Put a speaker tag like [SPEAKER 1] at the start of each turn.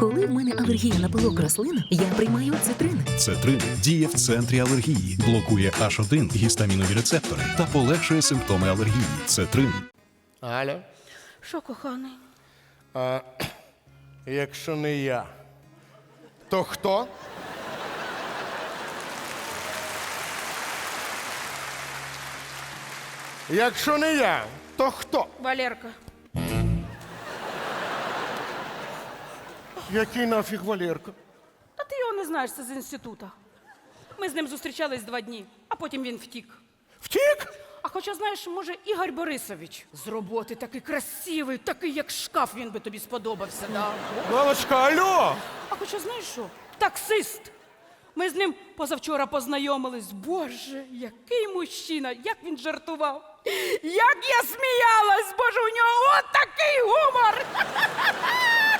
[SPEAKER 1] Коли в мене алергія на пилок рослин, я приймаю цитрин.
[SPEAKER 2] Цетрин діє в центрі алергії, блокує H1 гістамінові рецептори та полегшує симптоми алергії. Цетрин.
[SPEAKER 3] Галя,
[SPEAKER 4] Що, коханий?
[SPEAKER 3] якщо не я, то хто? Якщо не я, то хто?
[SPEAKER 4] Валерка.
[SPEAKER 3] Який нафіг Валерка?
[SPEAKER 4] Та ти його не знаєш, це з інститута. Ми з ним зустрічались 2 дні, а потім він втік.
[SPEAKER 3] Втік?
[SPEAKER 4] А хоча, знаєш, може, Ігор Борисович з роботи такий красивий, такий, як шкаф, він би тобі сподобався, да?
[SPEAKER 3] Галочка, алло!
[SPEAKER 4] А хоча, знаєш що? Таксист. Ми з ним позавчора познайомились. Боже, який мужчина, як він жартував. Як я сміялась, боже, у нього от такий гумор.